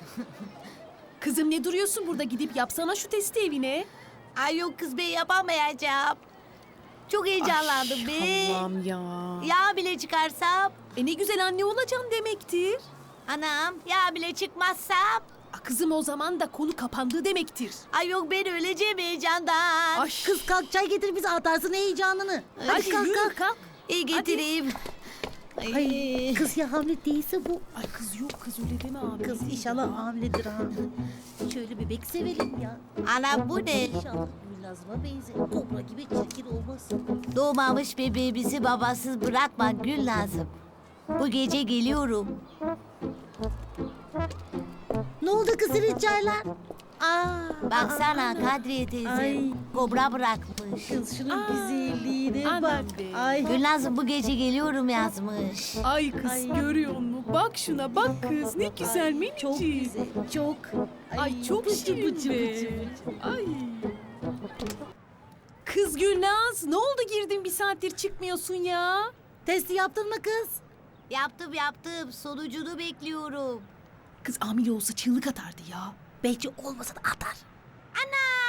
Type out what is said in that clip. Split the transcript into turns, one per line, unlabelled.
Kızım ne duruyorsun burada, gidip yapsana şu testi evine.
Ay yok kız, ben yapamayacağım. Çok heyecanlandım be.
Allah'ım ya.
Yağ bile çıkarsam.
Ne güzel anne olacaksın demektir.
Anam yağ bile çıkmazsam.
Kızım o zaman da konu kapandı demektir.
Ay yok, ben öleceğim heyecandan.
Ay.
Kız kalk, çay getir, bize atarsın heyecanını.
Hadi
kalk
yürü
kalk.
kalk.
İyi getireyim.
Ay, kız ya hamile değilse bu.
Ay kız yok, kız öyle deme abi.
Kız inşallah hamiledir ha. Şöyle bebek sevelim ya.
Anam bu ne?
İnşallah Gülnaz'ıma benzer. Kobra gibi çirkin olmasın.
Doğmamış bebeğimizi babasız bırakma Gülnaz'ım. Bu gece geliyorum.
Ne oldu kız senin çaylar?
Baksana Kadriye teyze
Ay.
kobra bırakmış.
Kız şunun
Aa,
güzelliğine
anam
bak.
be.
Ay.
Gülnaz'ım bu gece geliyorum yazmış.
Ay kız
Ay.
görüyor musun? Bak şuna bak kız, ne güzel minicik.
Çok güzel, çok.
Ay çok
bıcı
şirin
bıcı
be.
bıcı bıcı.
Ay. Kız Gülnaz, ne oldu, girdin bir saattir çıkmıyorsun ya?
Testi yaptın mı kız?
Yaptım. Sonucunu bekliyorum.
Kız hamile olsa çığlık atardı ya.
Belki olmasa da atar.
Ana!